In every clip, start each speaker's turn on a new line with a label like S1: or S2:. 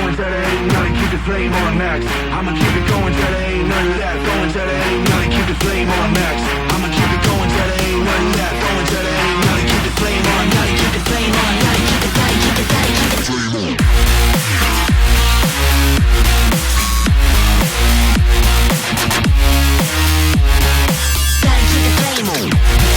S1: going till there ain't nothing. Keep the flame on max. I'ma keep it going till there ain't nothing left. Going till there ain't nothing. Keep the flame on max. I'ma keep it going till there ain't nothing left. Going till there ain't nothing. Keep the flame on. Gotta keep the flame on. Gotta keep it. Gotta keep it. Gotta keep the flame on. Gotta keep the flame on.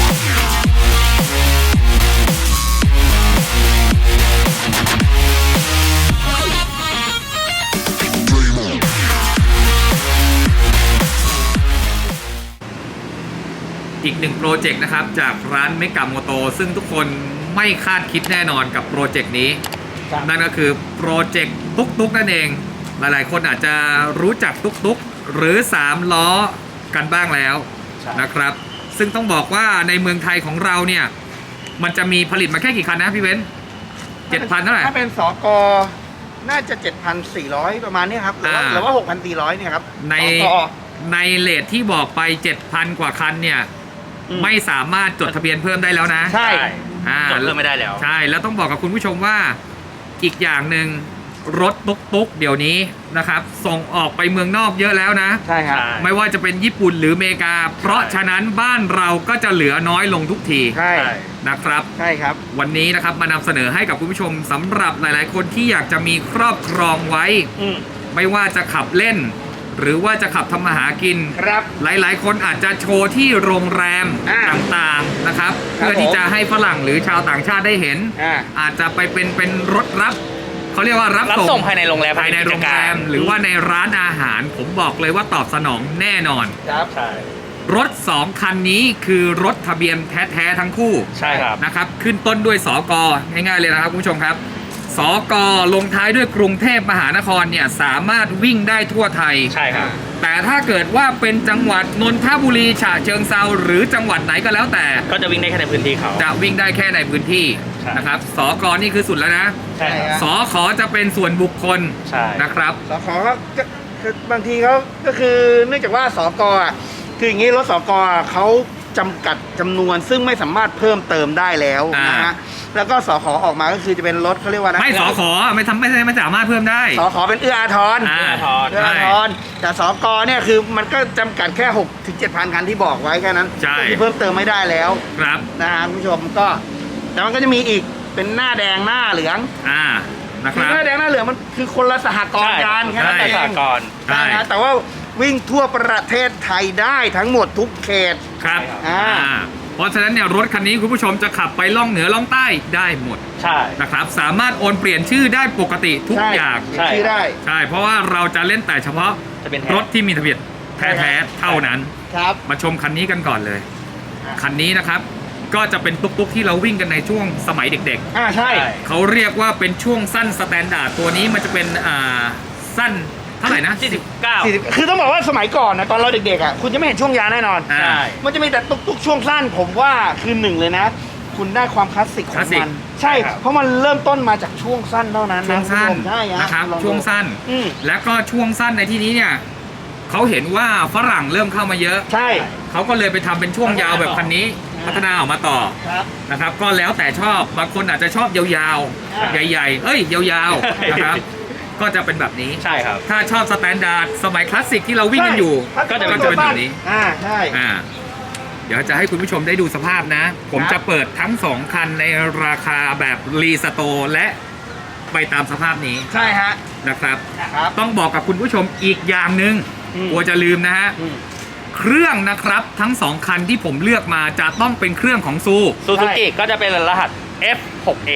S2: อีกหนึ่งโปรเจกต์นะครับจากร้านเมกะโมโตซึ่งทุกคนไม่คาดคิดแน่นอนกับโปรเจกต์นี้นั่นก็คือโปรเจกต์ตุ๊กนั่นเองหลายๆคนอาจจะรู้จักตุ๊กหรือ3ล้อกันบ้างแล้วนะครับซึ่งต้องบอกว่าในเมืองไทยของเราเนี่ยมันจะมีผลิตมาแค่กี่คันนะพี่เว้น 7,000 เท่าไหร่
S3: ถ้าเป็นสกน่าจะ 7,400 ประมาณนี้ครับหรือว่า 6,400 เนี่ยครับ
S2: ในเลทที่บอกไป 7,000 กว่าคันเนี่ยไม่สามารถจดทะเบียนเพิ่มได้แล้วนะ
S3: ใช่
S4: จดเพิ่มไม่ได้แล้ว
S2: ใช่แล้วต้องบอกกับคุณผู้ชมว่าอีกอย่างหนึ่งรถตุ๊กเดี๋ยวนี้นะครับส่งออกไปเมืองนอกเยอะแล้วนะ
S3: ใช่ครับ
S2: ไม่ว่าจะเป็นญี่ปุ่นหรืออเมริกาเพราะฉะนั้นบ้านเราก็จะเหลือน้อยลงทุกที
S3: ใช่
S2: นะครับ
S3: ใช่ครับ
S2: วันนี้นะครับมานำเสนอให้กับคุณผู้ชมสำหรับหลายๆคนที่อยากจะมีครอบครองไว้ไม่ว่าจะขับเล่นหรือว่าจะขับทำมาหากิน
S3: ครับ
S2: หลายๆคนอาจจะโชว์ที่โรงแรมต่างๆนะครับเพื่อที่จะให้ฝรั่งหรือชาวต่างชาติได้เห็นอาจจะไปเป็นรถรับเขาเรียกว่ารับ
S4: ส่งภายในโรงแรม
S2: ภายในโรงแรมหรือว่าในร้านอาหารผมบอกเลยว่าตอบสนองแน่นอน
S3: ครับใช่
S2: รถ2คันนี้คือรถทะเบียนแท้ๆทั้งคู่
S4: ใช่ครับ
S2: นะครับขึ้นต้นด้วยสกง่ายๆเลยนะครับคุณผู้ชมครับสกลงท้ายด้วยกรุงเทพมหานครเนี่ยสามารถวิ่งได้ทั่วไทย
S4: ใช่ครับ
S2: แต่ถ้าเกิดว่าเป็นจังหวัดนนทบุรีฉะเชิงเทราหรือจังหวัดไหนก็แล้วแต่
S4: ก็จะวิ่งได้แค่ในพื้นที่เขา
S2: จะวิ่งได้แค่ในพื้นที่นะครับสกนี่คือสุดแล้วนะ
S4: ใช่
S2: สขจะเป็นส่วนบุคคลนะครับ
S3: สขก็บางทีเขาก็คือเนื่องจากว่าสกคืออย่างนี้รถสกเขาจำกัดจำนวนซึ่งไม่สามารถเพิ่มเติมได้แล้วนะฮะแล้วก็สขออกมาก็คือจะเป็นรถเขาเรียกว่า
S2: ไม่สขไม่สามารถเพิ่มได้
S3: สขเป็นเอื้ออาทรแต่สกเนี่ยคือมันก็จำกัดแค่ 6-7,000 คันที่บอกไว้แค่นั้นที่เพิ่มเติมไม่ได้แล้ว
S2: ครับ
S3: นะฮะคุณผู้ชมก็แต่มันก็จะมีอีกเป็นหน้าแดงหน้าเหลือง
S2: นะครับ
S3: หน้าแดงหน้าเหลืองมันคือคนละสหกรณ์กันแค่นั้นเอง
S4: สหกรณ์
S3: แต่ว่าวิ่งทั่วประเทศไทยได้ทั้งหมดทุกเขต
S2: ครับเพราะฉะนั้นเนี่ยรถคันนี้คุณผู้ชมจะขับไปล่องเหนือล่องใต้ได้หมด
S4: ใช่
S2: นะครับสามารถโอนเปลี่ยนชื่อได้ปกติทุกอย่าง
S3: ใช่ได้
S2: ใช่เพราะว่าเราจะเล่นแต่เฉพาะรถที่มีทะเบียนแท้ๆเท่านั้น
S3: ครับ
S2: มาชมคันนี้กันก่อนเลยคันนี้นะครับก็จะเป็นตุ๊กที่เราวิ่งกันในช่วงสมัยเด็ก
S3: ๆใช่
S2: เขาเรียกว่าเป็นช่วงสั้นสแตนดาร์ดตัวนี้มันจะเป็นสั้นเท่าไหร่นะ
S3: 49คือต้องบอกว่าสมัยก่อนนะตอนเราเด็กๆคุณจะไม่เห็นช่วงยาวแน่นอน
S2: ใช่
S3: มันจะมีแต่ตุ๊กช่วงสั้นผมว่าคือหนึ่งเลยนะคุณได้ความคลาสสิกของมันใช่เพราะมันเริ่มต้นมาจากช่วงสั้นเท่านั้น
S2: ช่วงสั้น
S3: ใช่
S2: นะครับช่วงสั้นแล้วก็ช่วงสั้นในที่นี้เนี่ยเขาเห็นว่าฝรั่งเริ่มเข้ามาเยอะ
S3: ใช่
S2: เขาก็เลยไปทำเป็นช่วงยาวแบบคันนี้พัฒนาออกมาต่อนะครับก็แล้วแต่ชอบบางคนอาจจะชอบยาวๆใหญ่ๆยาวๆนะครับก็จะเป็นแบบนี้
S4: ใช่ครับ
S2: ถ้าชอบสแตนดาร์ดสมัยคลาสสิกที่เราวิ่งกันอยู่ก็จะเป็นแบบนี้
S3: ใช่
S2: เดี๋ยวจะให้คุณผู้ชมได้ดูสภาพนะผมจะเปิดทั้ง2คันในราคาแบบรีสโตร์และไปตามสภาพนี้
S3: ใช่ฮะ
S2: นะครับต้องบอกกับคุณผู้ชมอีกอย่างหนึ่งกลัวจะลืมนะฮะเครื่องนะครับทั้ง2คันที่ผมเลือกมาจะต้องเป็นเครื่องของซู
S4: ซูกิก็จะเป็นรหัส F6A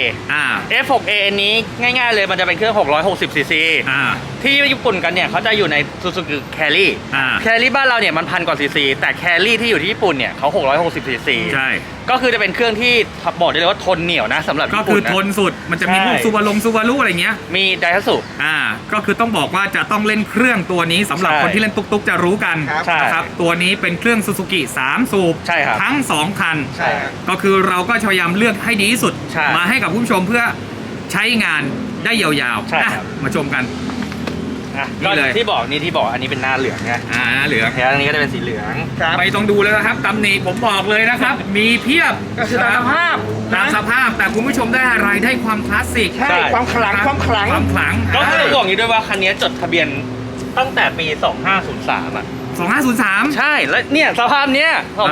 S4: F6A นี้ง่ายๆเลยมันจะเป็นเครื่อง660 cc ที่ญี่ปุ่นกันเนี่ยเขาจะอยู่ใน Suzuki Carry Carry บ้านเราเนี่ยมัน1,000 กว่า cc แต่ Carry ที่อยู่ที่ญี่ปุ่นเนี่ยเขา660 cc
S2: ใช่
S4: ก็คือจะเป็นเครื่องที่บอกได้เลยว่าทนเหนียวนะสำหรับ
S2: ก็คือทนสุดมันจะมีพวกซูบารุอะไรเงี้ย
S4: มีไดฮัตสุ
S2: ก็คือต้องบอกว่าจะต้องเล่นเครื่องตัวนี้สำหรับคนที่เล่นตุ๊กจะรู้กันนะครับตัวนี้เป็นเครื่อง Suzuki 3 สูบทั้ง2คันก็คือเราก็พยายามเลือกให้ดีที่สุดมาให้กับผู้ชมเพื่อใช้งานได้ยาวๆมาชมกัน
S4: อ่ะ
S2: นี่เลย
S4: ที่บอกอันนี้เป็นหน้าเหลืองไง
S2: เหลือง
S4: แล้วอันนี้ก็จะเป็นสีเหลือง
S3: ครับ
S2: ไม่ต้องดูแล้วนะครับตำหนิผมบอกเลยนะครับ มีเพียบ
S3: ก็คือตามสภาพ
S2: ตามสภาพแต่คุณผู้ชมได้อะไรได้ความคลาสสิก
S3: ใช่ความขลัง
S2: รับ
S3: ความขลัง
S2: ความขลัง
S4: ก็คือบอกอย่างนี้ด้วยว่าคันนี้จดทะเบียนตั้งแต่ปี 2503 อ่ะ
S2: 2503
S4: ใช่ แล้วเนี่ยสภาพเนี้ย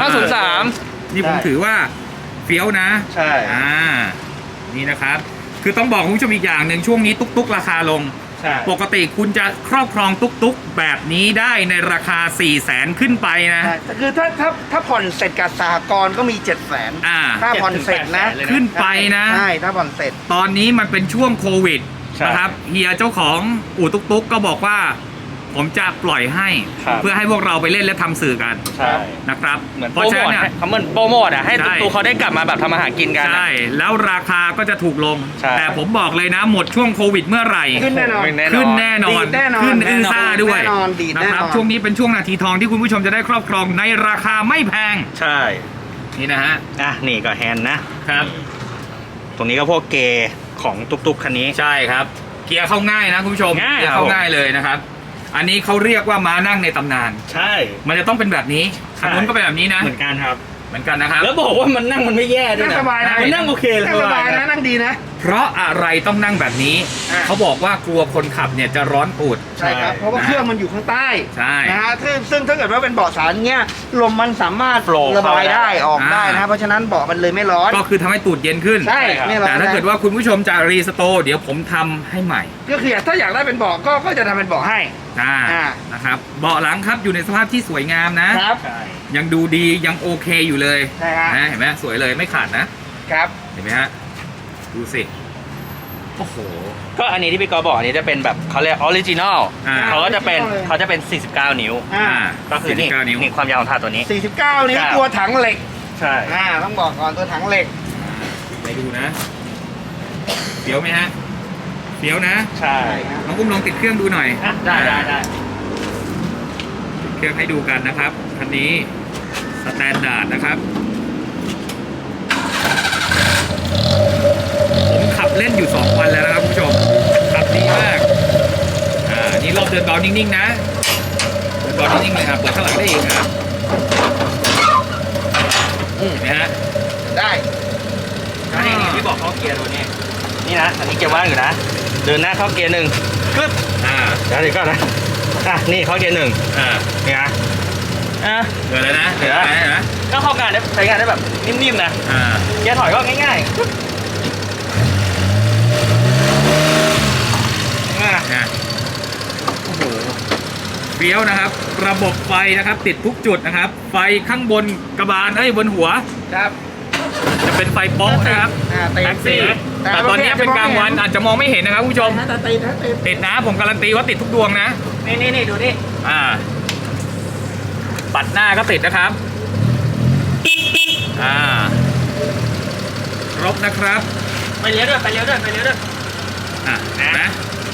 S4: 2503
S2: นี่ผม
S3: ใช่
S2: ถือว่าเฟี้ยวนะ
S4: ใช่
S2: นี่นะครับ คือต้องบอกคุณผู้ชมอีกอย่างหนึ่งช่วงนี้ตุ๊กๆราคาลง
S4: ใช่
S2: ปกติคุณจะครอบครองตุ๊กๆแบบนี้ได้ในราคา 400,000 ขึ้นไปนะ
S3: ใช่แต่คือถ้าผ่อนเสร็จกับสหกรณ์ก็มี 700,000
S2: อ่า
S3: ถ้าผ่อนเสร็จนะ
S4: 700,000เลย
S2: ขึ้นไปนะ
S3: ใช่ถ้าผ่อนเสร็จ
S2: ตอนนี้มันเป็นช่วงโควิด
S4: ใช่
S2: นะครับเฮียเจ้าของอู่ตุ๊กๆก็บอกว่า ผมจะปล่อยให้
S4: ครับ
S2: เพื่อให้พวกเราไปเล่นและทำสื่อกัน
S4: ใช่
S2: นะครับ
S4: เหมือน
S2: เพ
S4: โปร
S2: ราะ
S4: โม
S2: ฉะ
S4: ท
S2: นั้นเนี่ย
S4: เขาเหมือนโปรโมทอ่ะให้
S2: ใช่
S4: ตุ๊กๆเขาได้กลับมาแบบทำอาหารกินกันอะ
S2: ใช่แล้วราคาก็จะถูกลง
S4: ใช่
S2: แต่ผมบอกเลยนะ หมดช่วงโควิดเมื่อไหร่
S3: ขึ้นแน่นอน
S2: ขึ้นแน่นอน
S3: ดีดแน่นอน
S2: ขึ้นอื้อซ่าด้วย
S3: แน่นอนดีด
S2: นะ
S3: แน่
S2: คน รับ
S3: อน
S2: ช่วงนี้เป็นช่วงนาทีทองที่คุณผู้ชมจะได้ครอบครองในราคาไม่แพง
S4: ใช่
S2: นี่นะฮะ
S4: อ่ะนี่ก็แฮนด์นะ
S2: ครับ
S4: ตรงนี้ก็พวกเกย์ของตุ๊กๆคันนี้
S2: ใช่ครับ เกียร์เข้าง่ายนะคุณผู้ชม
S4: ง่าย
S2: เกียร์เข้าง่ายเลยนะครับ อันนี้เขาเรียกว่าม้านั่งในตำนาน
S4: ใช่
S2: มันจะต้องเป็นแบบนี้คันนู้นก็เป็นแบบนี้นะ
S4: เหมือนกันครับ
S2: เหมือนกันนะครับ
S4: แล้วบอกว่ามันนั่งมันไม่แย่ด้วย
S3: นั่ง
S4: นะ
S3: สบายนะ
S4: มันนั่งโอเคเลย
S3: นั่งสบายนะนั่งดีนะ
S2: เพราะอะไรต้องนั่งแบบนี้
S3: อ่ะ
S2: เขาบอกว่ากลัวคนขับเนี่ยจะร้อนตูด
S3: ใช่ครับ เพราะว่าเครื่องมันอยู่ข้างใต้
S2: ใช่
S3: นะฮะซึ่งถ้าเกิดว่าเป็นเบาะสารเงี้ยลมมันสามารถ
S4: Flow
S3: ระบายได้
S4: เข้าได้
S3: ออกได้นะ เพราะฉะนั้นเบาะมันเลยไม่ร้อน
S2: ก็คือทำให้ตูดเย็นขึ้น
S3: ใช่
S4: ครับ
S3: ไม่ร้อน
S2: แต่ถ้าเกิดว่าคุณผู้ชมจะรีสโตร์เดี๋ยวผมทำให้ใหม่
S3: ก็คือถ้าอยากได้เป็นเบาะก็จะทำเป็นเบาะให้ อ่า
S2: นะครับเบาะหลังครับอยู่ในสภาพที่สวยงามนะ
S3: ครับ
S4: ใช่
S2: ยังดูดียังโอเคอยู่เลย
S3: ใช่ฮะ
S2: นะเห็นไหมสวยเลยไม่ขาดนะ
S3: ครับ
S2: เห็นไหมฮะดูสิโอ้โห
S4: ก็อันนี้ที่พี่กอบอกอันนี้จะเป็นแบบเขาเรียกออริจินอล
S2: อ่า
S4: เขาก็จะเป็น 49 นิ้ว
S3: อ่า
S4: ก็คือนี่
S2: 49 นิ้ว
S4: นี่ความยาวของถาดตัวนี้
S3: 49นิ้วตัวถังเหล็ก
S4: ใช่
S3: ต้องบอกก่อนตัวถังเหล็ก
S2: ไปดูนะเฟี้ยวไหมฮะเฟี้ยวนะ
S4: ใช่
S2: น้องกุ้มลองติดเครื่องดูหน่อย
S4: อ่ะได้
S2: ติดเครื่องให้ดูกันนะครับคันนี้สแตนดาร์ดนะครับผมขับเล่นอยู่ 2 วันแล้วนะครับคุณผู้ชมขับดีมากนี่รอบเดินเบานิ่งๆนะเดินเบานิ่งๆเลยครับเปิดข้างหลังได้อีกครับเห็นไหมฮะ
S3: ได้
S4: นี่ที่บอกเข้าเกียร์ตัวนี้นี่นะอันนี้เกียร์ว่างอยู่นะ เดินหน้าเข้าเกียร์หนึ่งกึ๊บ
S2: อ่า
S4: เดี๋ยวก่อนนะอ่ะนี่เข้าเกียร์หนึ่ง
S2: อ่า
S4: นี่นะอ่ะ
S2: เดินแล้วนะเดินแล้วนะ
S4: ก็เข้างานได้ใช้งานได้แบบนิ่มๆนะ
S2: อ่า
S4: เกียร์ถอยก็ง่ายๆกึ๊บอ่ะ
S2: นะโอ้โหเฟี้ยวนะครับ ระบบไฟนะครับ ติดทุกจุดนะครับ ไฟข้างบนกระบาลบนหัว
S3: ครับ
S2: จะเป็นไฟโป๊ะนะครับ
S3: ติด
S2: แท็กซี่
S3: แต่
S2: แต่ตอนนี้เป็นกลางวันอาจจะมองไม่เห็นนะครับคุณผู้ชม
S3: ถ้าติดถ้าติด
S2: ติดนะผมการันตีว่าติดทุกดวงนะ
S4: นี่ดูนี่
S2: ปัดหน้าก็ติดนะครับ ครบนะครับ
S4: ไปเลี้ยวด้วย
S2: นะ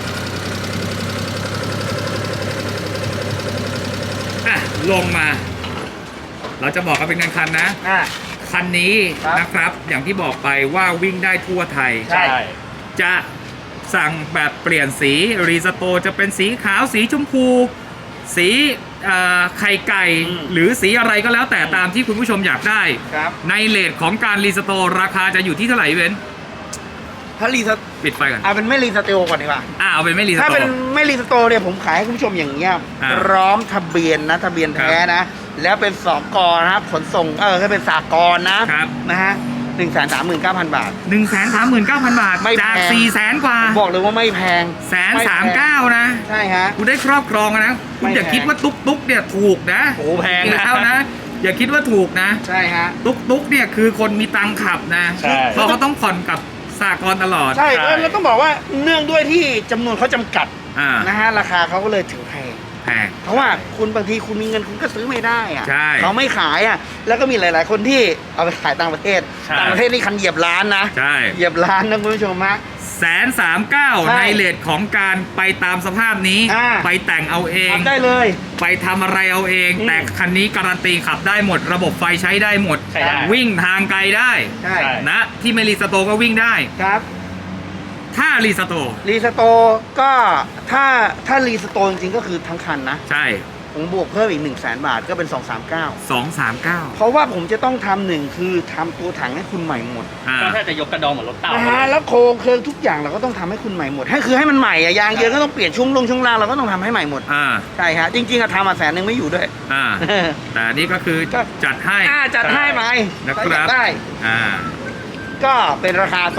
S2: ลงมา เราจะบอกกันเป็นคันๆนะ คันนี้
S3: ครับ
S2: นะครับ อย่างที่บอกไปว่าวิ่งได้ทั่วไทย
S3: ใช่
S2: จะสั่งแบบเปลี่ยนสีรีสโตร์จะเป็นสีขาวสีชมพู สีไข่ไก่ หรือสีอะไรก็แล้วแต่ตามที่คุณผู้ชมอยากได้
S3: ครับ
S2: ในเลทของการรีสโตร์ราคาจะอยู่ที่เท่าไหร่เว้น
S3: ถ้ารีส
S2: ปิดไฟก่อน
S3: เอาเป็นไม่รีสเตลก่อนดีกว่า
S2: เอาเป็นไม่รีส
S3: ถ้า
S2: โต
S3: เป็น
S2: ร์
S3: ไม่รีสโตเนี่ยผมขายให้คุณผู้ชมอย่างเงี้ย
S2: อ่า
S3: พร้อมทะเบียนนะทะเบียนแท้นะ แล้วเป็นสกนะครับขนส่งก็เป็นสากลนะครับ นะฮะ139,000 บาท
S2: 139,000 บาท
S3: ไม่แพง
S2: จาก400,000 กว่า
S3: บอกเลยว่าไม่แพง
S2: 139,000นะ
S3: ใช่ฮะ
S2: คุณได้ครอบครองนะคุณ
S3: ไม่
S2: อย่า
S3: แพง
S2: คิดว่าตุ๊กเนี่ยถูกนะ
S4: โอ้แพงนะ
S2: แล้วนะ อย่าคิดว่าถูกนะ
S3: ใช่ฮะ
S2: ตุ๊กเนี่ยคือคนมีตังค์ขับนะ
S4: ใช่
S2: เพราะเขาต้องผ่อนกับสากลตลอด
S3: ใช่
S4: ใช่
S3: แล้วต้องบอกว่าเนื่องด้วยที่จำนวนเขาจำกัด
S2: อ่า
S3: นะฮะราคาเขาก็เลยถึงแพง
S2: แพง
S3: เพราะว่าคุณบางทีคุณมีเงินคุณก็ซื้อไม่ได้อะ
S2: ใช่
S3: เขาไม่ขายอะแล้วก็มีหลาย ๆ คนที่เอาไปขายต่างประเทศ
S4: ใช่
S3: ต่างประเทศนี่คันเหยียบล้านนะ
S2: ใช่
S3: เหยียบล้านนะคุณผู้ชมฮะ
S2: 139,000
S3: ใช่
S2: ในเลทของการไปตามสภาพนี้
S3: อ่า
S2: ไปแต่งเอาเอง
S3: ทำได้เลย
S2: ไปทำอะไรเอาเอง
S3: อืม
S2: แต่คันนี้การันตีขับได้หมด ระบบไฟใช้ได้หมด
S4: ใช้ได้
S2: วิ่งทางไกลได้
S3: ใช่
S4: ใช่
S2: นะที่ไม่รีสโตร์ก็วิ่งได้
S3: ครับ
S2: ถ้ารีสโตร์
S3: รีสโตร์ก็ถ้ารีสโตร์จริงๆก็คือทั้งคันนะ
S2: ใช่
S3: ผมบวกเพิ่มอีก 100,000 บาทก็เป็น 239
S2: 239
S3: เพราะว่าผมจะต้องทำหนึ่งคือทำตัวถังให้คุณใหม่หมด
S4: ก็แค่จะยกกระดองเหมือนรถเต่า
S3: นะฮะแล้วโครงเครื่องทุกอย่างเราก็ต้องทำให้คุณใหม่หมดให้มันใหม่อะยางเยอะก็ต้องเปลี่ยนช่วงล่างเราก็ต้องทำให้ใหม่หมด
S2: อ่า
S3: ใช่ฮะจริงๆอะทำมา100,000ไม่อยู่ด้วย
S2: อ่า แต่นี่ก็คือจัดให้
S3: จัดให้ไหม
S2: นะครับ
S3: ถ้าอยากได้
S2: อ่า
S3: ก็เป็นราคา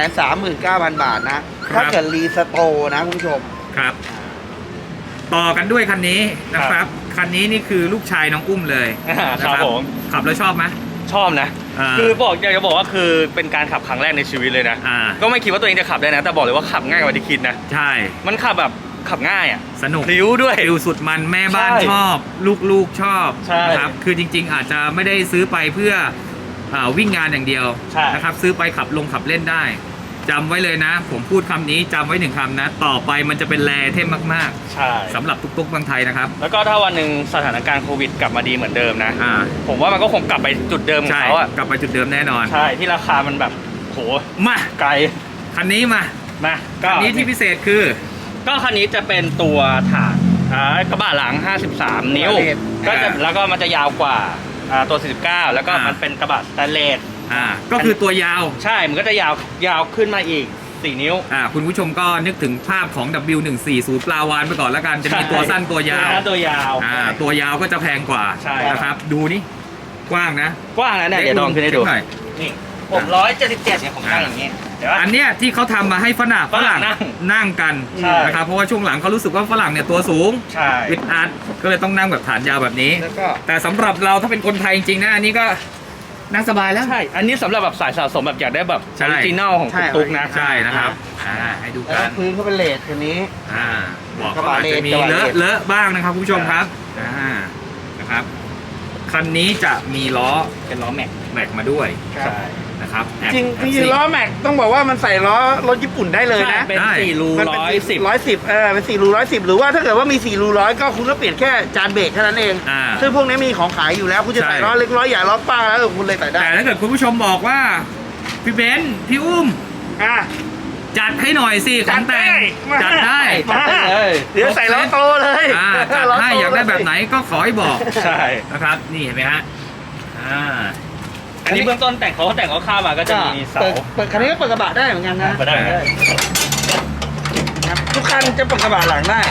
S3: 239,000 บาทนะครับ ถ้าเกิดรีสโตร์นะคุณผู้ชม
S2: ครับ ต่อกันด้วยคันนี้นะครับ คันนี้นี่คือลูกชายน้องอุ้มเลย
S4: ครับผม
S2: ขับแล้วชอบไหม
S4: ชอบนะ
S2: อ่า
S4: คืออยากจะบอกว่าคือเป็นการขับครั้งแรกในชีวิตเลยนะ
S2: อ่า
S4: ก็ไม่คิดว่าตัวเองจะขับได้นะ แต่บอกเลยว่าขับง่ายกว่าที่คิดนะ
S2: ใช่
S4: มันขับแบบขับง่ายอ่ะ
S2: สนุก
S4: พลิ้วด้วย
S2: ฟิลสุดมันแม่บ้าน
S4: ใช่
S2: ชอบ ลูกๆชอบ
S4: ใช่
S2: นะครับ คือจริง ๆ อาจจะไม่ได้ซื้อไปเพื่อวิ่งงานอย่างเดียว
S4: ใช่
S2: นะครับ ซื้อไปขับเล่นได้จำไว้เลยนะ ผมพูดคำนี้จำไว้1 คำนะ ต่อไปมันจะเป็นแรเทมมาก
S4: ใช่
S2: ๆสำหรับตุ๊กๆเมืองไทยนะครับ
S4: แล้วก็ถ้าวันหนึ่งสถานการณ์โควิดกลับมาดีเหมือนเดิมนะ
S2: อ่า
S4: ผมว่ามันก็คงกลับไปจุดเดิมของ
S2: ใช่
S4: เขาอ่ะ
S2: กลับไปจุดเดิมแน่นอน
S4: ใช่ที่ราคามันแบบโห
S2: มา
S4: ไกล
S2: คันนี้มา
S4: นะก็
S2: คันนี้ที่พิเศษคือ
S4: ก็คันนี้จะเป็นตัวถาดกระบะหลัง 53 นิ้ว ก็จะแล้วก็มันจะยาวกว่าตัว 49 แล้วก็มันเป็นกระบะสแตนเลส
S2: ก็คือตัวยาว
S4: ใช่ มันก็จะยาวขึ้นมาอีก 4 นิ้ว
S2: คุณผู้ชมก็นึกถึงภาพของ W140 ปลาวานไปก่อนแล้วกัน จะมีตัวสั้นตัวยาว
S4: ตัวยาว
S2: ตัวยาวก็จะแพงกว่า
S4: ใช่
S2: นะครับ ดูนี่ กว้างนะ
S4: กว้างนะเนี่ยเดี๋ยวลองขึ้นให้ดู
S2: หน่อย
S4: นี่ผม177เนี่ยผมตั้งอย่างนี้เดี๋ยว
S2: อันเนี้ยที่เขาทำมาให้ฝรั่ง นั่งกัน
S4: ใช่
S2: นะครับ เพราะว่าช่วงหลังเขารู้สึกว่าฝรั่งเนี่ยตัวสูง
S4: ใช่
S2: อึดอัดก็เลยต้องนั่งแบบฐานยาวแบบนี้
S3: แล้วก็
S2: แต่สำหรับเราถ้าเป็นคนไทยจริงๆนะ อันนี้ก็นั่งสบายแล้ว
S4: ใช่ อันนี้สำหรับแบบสายสะสมแบบอยากได้แบบ
S2: ใช่
S4: ออริจินัลของตุ๊กๆนะ
S2: ใช่นะครับให้ดู
S3: แล้ว
S2: กั
S3: ก็
S2: น
S3: พื้นเขาเป็นเลสคันนี้
S2: บอก
S3: กระ
S2: ว่า
S3: บะ
S2: อาจจะมี
S3: กระบะ
S2: เลอะ
S3: เลส
S2: เลอะบ้างนะครับคุณผู้ชมครับนะครับ คันนี้จะมีล้อ
S4: เป็นล้อแม็ก
S2: แม็กมาด้วย
S3: ครับ
S4: ใช่
S2: นะครับแอบ
S3: จริงๆล้อแม็กต้องบอกว่ามันใส่ล้อรถญี่ปุ่นได้เลยนะ
S4: เป็น
S2: ได้
S4: 4 รู
S3: มันเป็น
S4: 110
S3: 110เป็น4รู110หรือว่าถ้าเกิดว่ามี4รู100ก็คุณก็เปลี่ยนแค่จานเบรกเท่านั้นเอง ซึ่งพวกนี้มีของขายอยู่แล้วคุณจะใส่ล้อเล็กล้อใหญ่ล้อกว้างแล้วคุณเลยใส่ได้
S2: แต่ถ้าเกิดคุณผู้ชมบอกว่าพี่เบนซ์พี่อุ้ม
S3: อ่ะ
S2: จัดให้หน่อยสิของแต่งจัดได้
S3: มา
S4: เลย
S3: เดี๋ยวใส่ล้อโตเลย
S2: จัดให้อยากได้แบบไหนก็ขอให้บอก
S4: ใช่
S2: นะครับ นี่เห็นไหมฮะ
S4: อันนี้เบื้องต้นแต่งเขาข้าวมาก็จะมีเสา
S3: เปิดคันนี้ก็เปิดกระบะได้เหมือนกันนะ
S4: เปิดได้
S3: ครับทุกคันจะเปิดกระบะหลังได้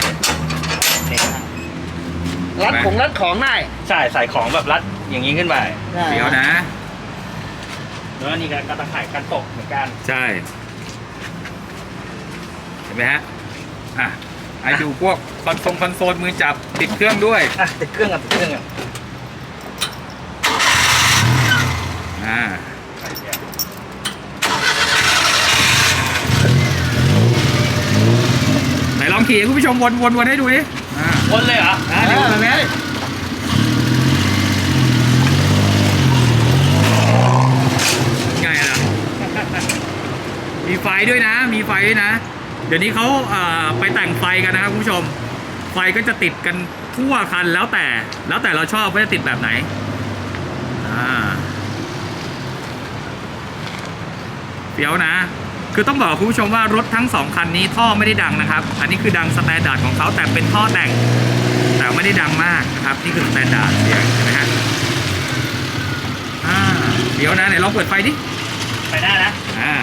S3: รัดของได้
S4: ใช่ใส่ของแบบรัดอย่างนี้ขึ้นไป
S2: เดี๋ยวนะ
S4: แล้วนี่ก็ตะข่ายกันตกเหมือนกัน
S2: ใช่ เห็นไหมฮะให้ดูพวกคอนโซลมือจับติดเครื่องด้วย
S4: ติดเครื่องกัน
S2: ไหนลองขี่ให้คุณผู้ชมวนให้ดูดิ
S4: วนเลยเหรอ
S2: เดี๋ยวมาแม่ไงล่ะ มีไฟด้วยนะ มีไฟด้วยนะ เดี๋ยวนี้เขาไปแต่งไฟกันนะครับคุณผู้ชม ไฟก็จะติดกันทั่วคันแล้วแต่เราชอบว่าจะติดแบบไหนเดี๋ยวนะ คือต้องบอกคุณผู้ชมว่ารถทั้ง2คันนี้ท่อไม่ได้ดังนะครับ อันนี้คือดังสแตนดาร์ดของเขาแต่เป็นท่อแต่ง แต่ไม่ได้ดังมากนะครับ นี่คือสแตนดาร์ดเสียงเห็นไหมฮะเดี๋ยวนะไหนลองเปิดไฟดิ
S4: ไปได้นะ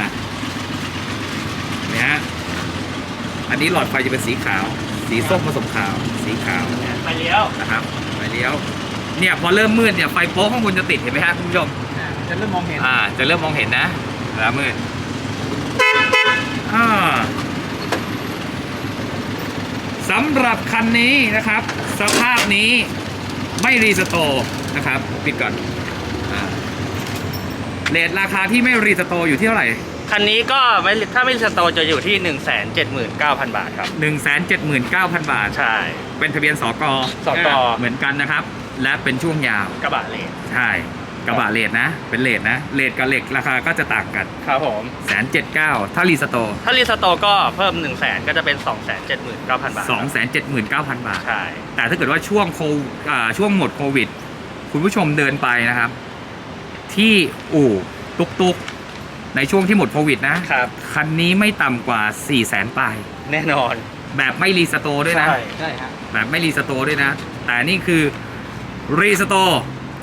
S2: เนี่ยฮะอันนี้หลอดไฟจะเป็นสีขาว สีส้มผสมขาว สีขาว
S4: ไปเลี้ยว
S2: นะครับไฟเลี้ยว เนี่ยพอเริ่มมืดเนี่ยไฟโป๊ะข้างบนจะติดเห็นไหมฮะคุณผู้ชม
S3: จะเริ่มมองเห็น
S2: จะเริ่มมองเห็นนะแล้วมืดสำหรับคันนี้นะครับ สภาพนี้ไม่รีสโตร์นะครับปิดก่อนเรทราคาที่ไม่รีสโตร์อยู่ที่เท่าไหร่
S4: คันนี้ก็ถ้าไม่สโตร์จะอยู่ที่ 179,000 บาทครับ
S2: 179,000 บาท
S4: ใช่
S2: เป็นทะเบียนสก
S4: สก
S2: เหมือนกันนะครับ และเป็นช่วงยาว
S4: กระบะเลน
S2: ใช่กระบะเลทนะ เป็นเลทนะเลทกับเหล็กราคาก็จะต่างกัน
S4: ครับผม
S2: 179,000ถ้ารีสโตร์
S4: ถ้ารีสโตร์ก็เพิ่ม 100,000 ก็จะเป็น 279,000 บาท
S2: 279,000 บาท
S4: ใช่
S2: แต่ถ้าเกิดว่าช่วงหมดโควิด คุณผู้ชมเดินไปนะครับ ที่อู่ตุกในช่วงที่หมดโควิดนะครับ คันนี้ไม่ต่ำกว่า 400,000 ปลาย
S4: แน่นอน
S2: แบบไม่รีสโตร์ด้วยนะ
S3: ใช่ฮะ
S2: แบบไม่รีสโตร์ด้วยนะ แต่นี่คือรีสโตร์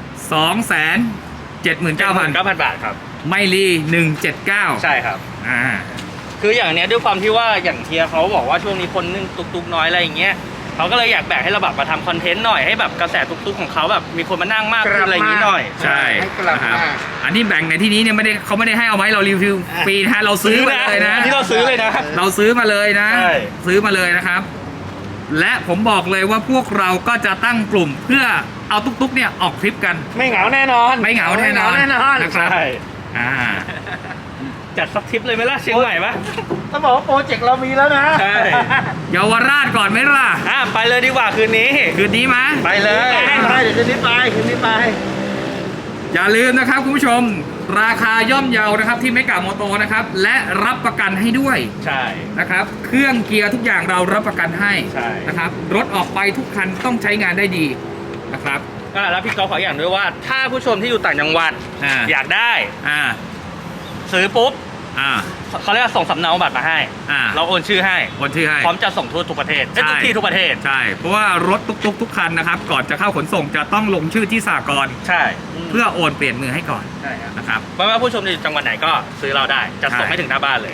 S2: 279,000
S4: บาทครับ
S2: ไม่รี179
S4: ใช่ครับ
S2: อ่า
S4: คืออย่างเนี้ยด้วยความที่ว่าอย่างเทียเขาบอกว่าช่วงนี้คนนึ่งตุกๆน้อยอะไรอย่างเงี้ยเขาก็เลยอยากแบ่งให้เราแบบมาทำคอนเทนต์หน่อยให้แบบกระแสตุกๆของเขาแบบมีคนมานั่งมากขึ้นอะไรอย่างงี้หน่อย
S2: ใช่
S3: ให้กลับ
S2: นะครับ
S3: มา
S2: อันนี้แบ่งในที่นี้เนี่ยเขาไม่ได้ให้เอาไว้เรารีวิวฟรีนะเราซื้อมาเลยนะ
S4: ที่เราซื้อเลยนะ
S2: เราซื้อมาเลยนะ
S4: ใช่
S2: ซื้อมาเลยนะครับ และผมบอกเลยว่าพวกเราก็จะตั้งกลุ่มเพื่อเอาตุ๊กๆเนี่ยออกทริปกัน
S4: ไม่เหงาแน่นอน
S2: ไม่เหงาแน่นอน
S3: ไม่เหงาแน่นอน
S2: นะครับ
S4: ใช่
S2: อ่า
S4: จัดสักทริปเลยไหมล่ะเชียงใหม่ปะ
S3: ต้องบอกว่าโปรเจกต์เรามีแล้วนะ
S4: ใช่
S2: เยาวราชก่อนไหมล่ะ
S4: ไปเลยดีกว่าคืนนี้
S2: คืนนี้ไหม
S4: ไปเลย
S3: ไปเดี๋ยวคืนนี้ไปคืนนี้ไป
S2: อย่าลืมนะครับคุณผู้ชม ราคาย่อมเยานะครับที่เมกะโมโตนะครับ และรับประกันให้ด้วย
S4: ใช่
S2: นะครับ เครื่องเกียร์ทุกอย่างเรารับประกันให้
S4: ใช่
S2: นะครับ รถออกไปทุกคันต้องใช้งานได้ดีนะครับ
S4: แล้วพี่ก๊อฟขออย่างด้วยว่า ถ้าผู้ชมที่อยู่ต่างจังหวัด อยากได้
S2: อ่า
S4: ซื้อปุ๊บ
S2: อ่า
S4: เขาเรียกว่าส่งสำเนาบัตรมาให้
S2: อ่า
S4: เราโอนชื่อให้
S2: โอนชื่อให้
S4: พร้อมจะส่งทั่วทุกประเทศทุกที่ทุกประเทศ
S2: ใช่ เพราะว่ารถตุ๊กๆทุกคันนะครับ ก่อนจะเข้าขนส่งจะต้องลงชื่อที่สากล
S4: ใช่
S2: เพื่อโอนเปลี่ยนมือให้ก่อน
S4: ใช่ครับ
S2: นะครับ
S4: ไม่ว่าผู้ชมจะอยู่จังหวัดไหนก็ซื้อเราได้ จะส่ง
S2: ใช่
S4: ให้ถึงหน้าบ้านเลย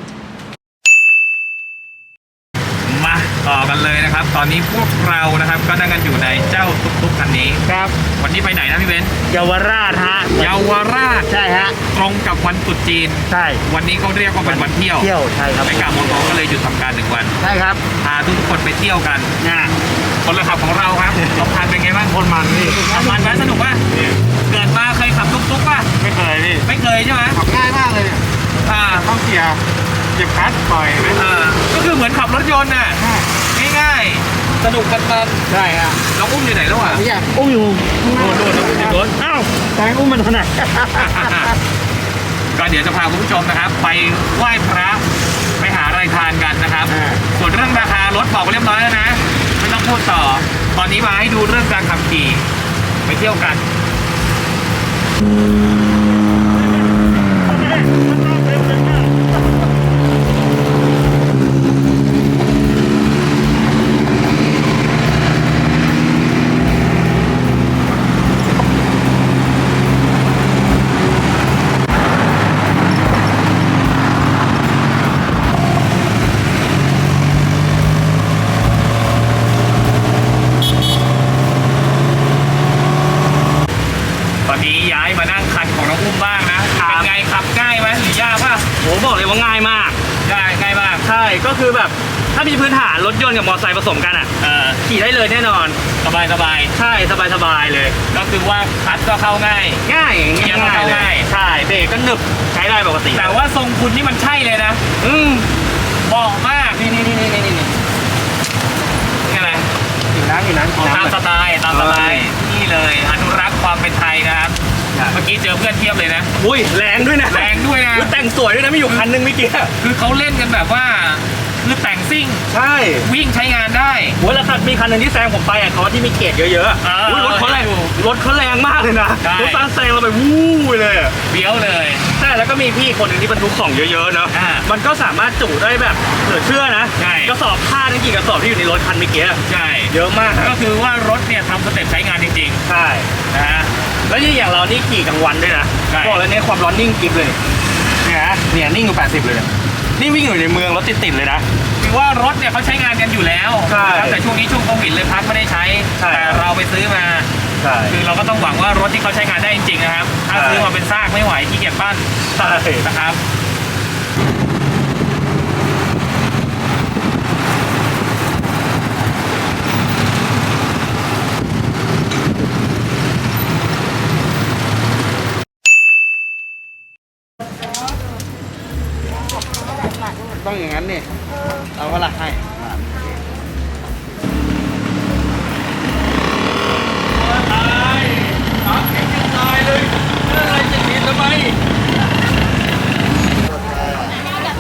S2: มาต่อกันเลยนะครับ ตอนนี้พวกเรานะครับก็นั่งกันอยู่ในเจ้าตุ๊กๆคันนี้
S3: ครับ
S2: วันนี้ไปไหนนะพี่เบนซ์
S3: เยาวราชฮะ
S2: เยาวราช
S3: ใช่ฮะ
S2: ตรงกับวันตรุษจีน
S3: ใช่
S2: วันนี้เขาเรียกว่าเป็นวันเที่ยว
S3: เที่ยวใช่ครับ
S2: ไม่กล้ามองก็เลยหยุดทำการ1 วัน
S3: ใช่ครับ
S2: พาทุกคนไปเที่ยวกัน
S3: นะ
S2: คนละขับของเราครับสองคันเป็นไงบ้าง
S3: คนมันนี่
S2: มันไหมสนุกป่ะเกิดมาเคยขับตุ๊กๆป่ะ
S3: ไม่เคยพี่
S2: ไม่เคยใช่ไหม
S3: ขับง่ายมากเลยเนี่ย
S2: อ่า
S3: ต้องเกียร์เหยียบคลัตช์ปล่อยไหม
S2: ก็คือเหมือนขับรถยนต์น่ะง่ายๆสนุกกัน
S3: ใช่ฮะ
S2: ๆเราอุ้มอยู่ไหนแล้วอ่ะ
S3: พี่อยากอุ้มอยู่
S2: โดนติดรถ
S3: อ้าวแตงอุ้มมันถนัด
S2: ก็เดี๋ยวจะพาคุณผู้ชมนะครับ ไปไหว้พระไปหาอะไรทานกันนะครับ ส่วนเรื่องราคารถบอกไปเรียบร้อยแล้วนะ ไม่ต้องพูดต่อ ตอนนี้มาให้ดูเรื่องการขับขี่ไปเที่ยวกัน ตอนนี้ย้ายมานั่งคันของน้องอุ้มบ้างนะเป็นไงขับง่ายไหมหรือยากป่ะ
S4: โหบอกเลยว่าง่ายมาก
S2: ง่ายมาก
S4: ใช่ก็คือแบบถ้ามีพื้นฐานรถยนต์กับมอเตอร์ไซค์ผสมกันอ่ะขี่ได้เลยแน่นอน
S2: สบาย
S4: ใช่สบายๆเลย
S2: ก็คือว่าคลัตช์ก็เข้าง่าย
S4: ง่าย
S2: เกียร์ก็เข้าง่าย
S4: ใช่เบรกก็หนึบใช้ได้ปกติ
S2: แต่ว่าทรงคุณนี่มันใช่เลยนะ เหมาะมาก
S4: นี่
S2: นี่อะไร
S3: อยู่นั้นอยู่นั้น
S2: ตามสไตล์นี่เลยอนุรักษ์ความเป็นไทยนะครับ เมื่อกี้เจอเพื่อนเทียบเลยนะ
S4: อุ้ยแรงด้วยนะ
S2: แรงด้วยนะ
S4: อุ๊ยแต่งสวยด้วยนะมีอยู่คันนึงเมื่อกี้
S2: คือเขาเล่นกันแบบว่าคือแต่งซิ่ง
S4: ใช่
S2: วิ่งใช้งานได้
S4: โอ้ยแล้วคันมีคันหนึงที่แซงผมไปอ่ะเขาที่มีเกรดเยอะๆอะ อุ๊ยรถเขาแรงมากเลยนะ
S2: ใช่
S4: รถแซงเราไปวู้ยเลยอะ
S2: เบี้ยวเลย
S4: ใช่แล้วก็มีพี่คนหนึ่งที่บรรทุกของเยอะๆเนาะ มันก็สามารถจุได้แบบเหลือเชื่อนะ
S2: ใช่
S4: กระสอบผ้าทั้งกี่กระสอบที่อยู่ในรถคันเมื่อกี้อะ
S2: ใช่
S4: เยอะมาก
S2: ก็คือว่ารถเนี่ยทำสเต็ปใช้งานจริง
S4: ใช่
S2: ๆนะฮะ
S4: แล้วนี่อย่างเรานี่ขี่กลางวันด้วยนะ
S2: ใช่
S4: บอกแล้วเนี่ยความร้อนนิ่งกิฟเลยเนี่ยนิ่งอยู่80เลยเนี่ยนี่วิ่งอยู่ในเมืองรถติดๆเลยนะ
S2: คือว่ารถเนี่ยเขาใช้งานกันอยู่แล้ว
S4: ใช่
S2: นะครับแต่ช่วงนี้ช่วงโควิดเลยพักไม่ได้ใช้
S4: ใช่
S2: แต่เราไปซื้อมา
S4: ใช่
S2: คือเราก็ต้องหวังว่ารถที่เขาใช้งานได้จริงๆนะครับ ถ้า
S4: ใช่
S2: ซื้อมาเป็นซากไม่ไหวขี้เกียจปั้น
S4: ใช่
S2: นะครับ
S3: ต้องอย่างนั้นนี่เอาเวลาให้
S2: ตายเลยอะไรจะผิดทำไม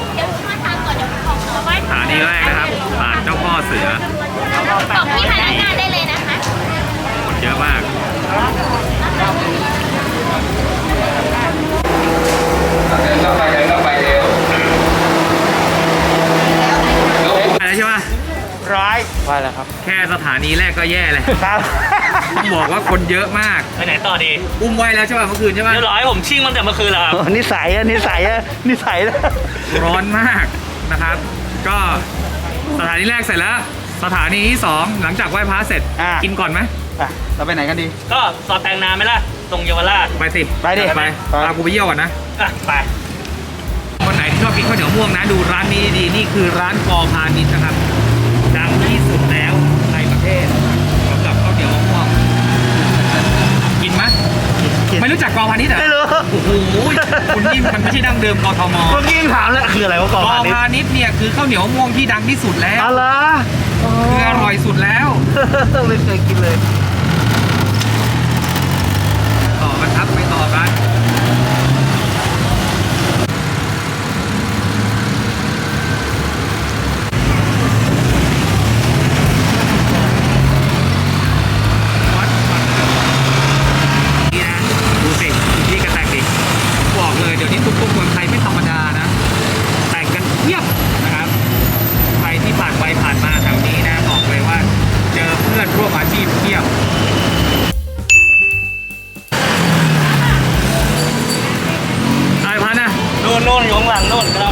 S3: ร้อย
S4: ว่าแล้วครับ
S2: แค่สถานีแรกก็แย่เลย
S3: ครับ
S2: ต้องบอกว่าคนเยอะมาก
S4: ไปไหนต่อดี
S2: อุ้มไว้แล้วใช่ป่ะเมื่อคืนใช่ป่ะ
S4: เรียบร้อยผมชิ่งมันแต่เมื่อคืนแล้วครับ
S3: นิสัยอะนิสัยอะนิสัยนะ
S2: ร้อนมากนะครับ ก็สถานีแรกเสร็จแล้ว สถานีที่ 2 หลังจากไหว้พระเสร็จ กินก่อนไหม
S3: อ่ะเราไปไหนกันดี
S4: ก็ซอยแปลงนาไหมล่ะ ตรงเยาวราช
S2: ไปสิ
S3: ไปดิ
S2: ไปพากูไปเยี่ยวก่อนนะ
S4: อ่ะไป
S2: คนไหนที่ชอบกินข้าวเหนียวม่วงนะ ดูร้านนี้ดีๆนี่คือร้านกอพาณิชย์นะครับ ดังที่สุดแล้วในประเทศสำหรับข้าวเหนียวมะม่วงกินไหมไม่รู้จักกอพาณิชย์เหรอ
S3: ไม่รู้
S2: โอ้โหคุณนี่มันไม่ใช่ดั้งเดิมกทม
S3: เมื่อกี้ยังถามแล้วคืออะไรวะก
S2: ก
S3: อ
S2: อ
S3: พาณิชย์
S2: พาณิชย์เนี่ยคือข้าวเหนียวมะม่วงที่ดังที่สุดแล้ว
S3: อะไร
S2: คืออร่อยสุดแล้ว
S3: ไม่เคยกินเลย
S2: ต่อกันครับไปต่อกันวัดนี่นะดูสินี่ก็แต่งดิบอกเลยเดี๋ยวนี้ตุ๊กๆเมืองไทยไม่ธรรมดานะ แต่งกันเพียบนะครับใครที่ผ่านไปผ่านมาแถวนี้นะบอกเลยว่าเจอเพื่อนร่วมอาชีพเพียบ ไอ้พันนะ
S4: โน่นอยู่ข้างหลังโน่นก็เรา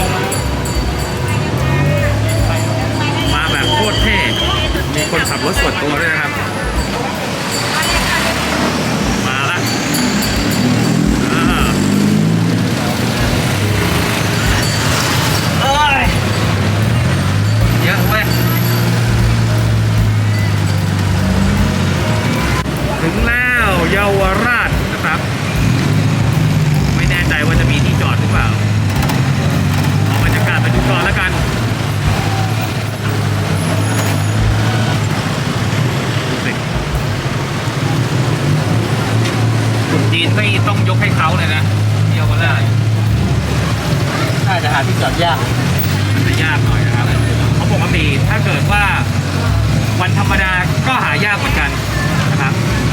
S4: มา
S2: มาแบบโคตรเท่ มีคนขับรถส่วนตัวด้วยนะครับ มาละอ่า
S4: เอ้ย
S2: เยอะเว้ยถึงแล้วเยาวราชนะครับ ไม่แน่ใจว่าจะมีที่จอดหรือเปล่าเอาบรรยากาศไปดูก่อนแล้วกัน ดูสิคนจีนไม่ต้องยกให้เขาเลยนะเยาวราช
S3: น่าจะหาที่จอดยาก
S2: มันจะยากหน่อยนะครับเพราะปกติถ้าเกิดว่าวันธรรมดาก็หายากเหมือนกันนะครับ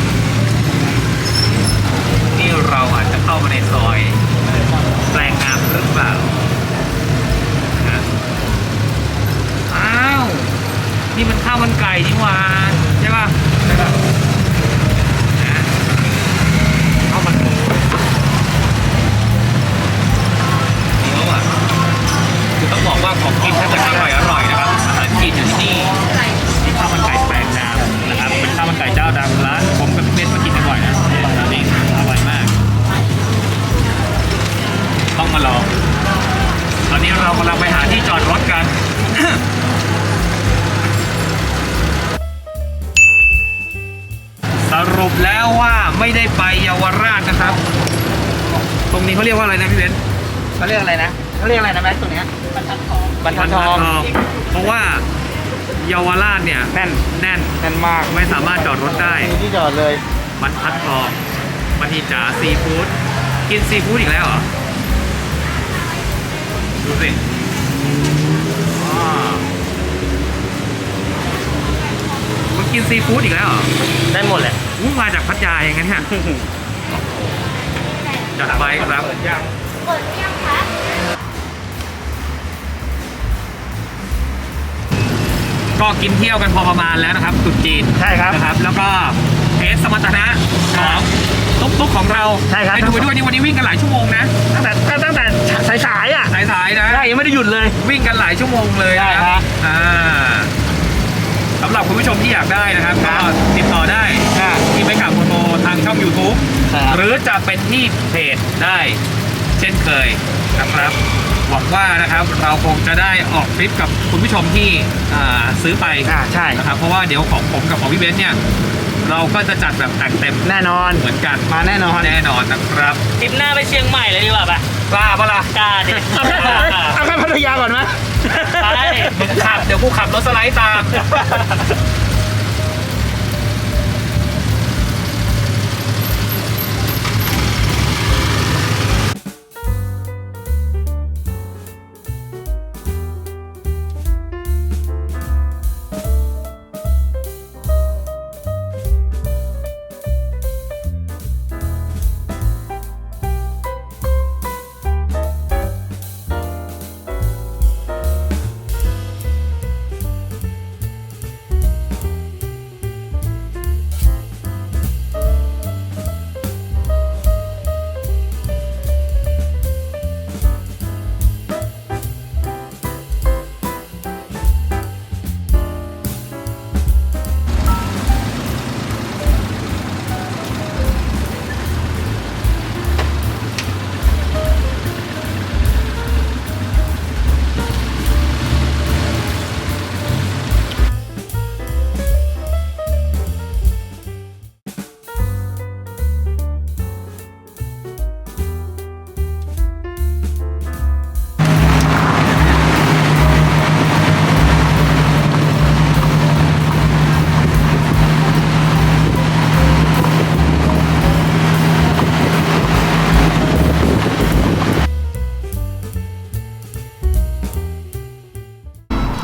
S2: นี่เราอาจจะเข้ามาในซอยแปลงงามหรือเปล่านะอ้าว นี่มันข้าวมันไก่นี่หว่าใช่ป่ะใช่ป่ะนะข้าวมันหมูนี่เขาอ่ะคือต้องบอกว่าของกินถ้าเกิดอร่อยนะครับอาหารจีนอยู่ที่นี่ที่ข้าวมันไก่แปลงงามนะครับเป็นข้าวมันไก่เจ้าดังร้านผมกับพี่เบนมากินกันบ่อยนะร้านนี้อร่อยมาก ต้องมาลอง ตอนนี้เรากำลังไปหาที่จอดรถกัน สรุปแล้วว่าไม่ได้ไปเยาวราชนะครับ ตรงนี้เขาเรียกว่าอะไรนะพี่เบนซ์
S3: เขาเรียกอะไรนะเขาเรียกอะไรนะแม็กตัวเนี้ยบรรทัดทอง
S2: บรรทัดทอง เพราะว่าเยาวราชเนี่ย
S3: แน่น
S2: แน่น
S3: แน่นมาก
S2: ไม่สามารถจอดรถได้
S3: มีที่จอดเลย
S2: บรรทัดทองมันทีจ๋าซีฟู้ดกินซีฟู้ดอีกแล้วเหรอ ดูสิอ๋อมันกินซีฟู้ดอีกแล้วเหรอ
S4: ได้หมดแหละ
S2: อู้มาจากพัทยาอย่างนั้นเนี่ยจัดไปครับก็กินเที่ยวกันพอประมาณแล้วนะครับตรุ๊จีน
S3: ใช่ครับ
S2: นะครับ แล้วก็เทสสมรรถนะของตุ๊กๆของเรา
S3: ใช่ครับ
S2: ไปดูไปด้วยนี่วันนี้วิ่งกันหลายชั่วโมงนะ
S3: ตั้งแต่สายๆอ่ะ
S2: สายๆนะ
S3: ใช่ยังไม่ได้หยุดเลย
S2: วิ่งกันหลายชั่วโมงเลย
S3: ใช่
S2: นะครับ สำหรับคุณผู้ชมที่อยากได้นะครับ
S3: ครั
S2: ก็
S3: บ
S2: ติดต่อได้ที่ไปกับโมโตทางช่อง YouTube
S3: ครับ
S2: หรือจะเป็นที่เพจได้เช่นเคยนะครับหวังว่านะครับเราคงจะได้ออกทริปกับคุณผู้ชมที่ซื้อไป
S3: ใช่
S2: นะครับเพราะว่าเดี๋ยวของผมกับของพี่เบนซ์เนี่ยเราก็จะจัดแบบแต่งเต็ม
S3: แน่นอน
S2: เหมือนกัน
S3: มาแน่นอน
S2: แน่นอนนะครับ
S4: ทริปหน้าไปเชียงใหม่เลยดีกว่าปะ
S2: กล้าปะล่ะ
S4: กล้าดิ
S3: เอาแค่พัทยาก่อนไหม
S4: ไป
S2: มึงขับเดี๋ยวกูขับรถสไลด์ตาม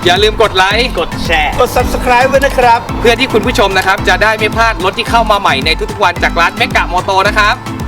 S2: อย่าลืมกดไลค์
S4: กดแชร์
S3: กด subscribe ไว้นะครับ
S2: เพื่อที่คุณผู้ชมนะครับจะได้ไม่พลาดรถที่เข้ามาใหม่ในทุกๆวันจากร้านเมกะโมโตนะครับ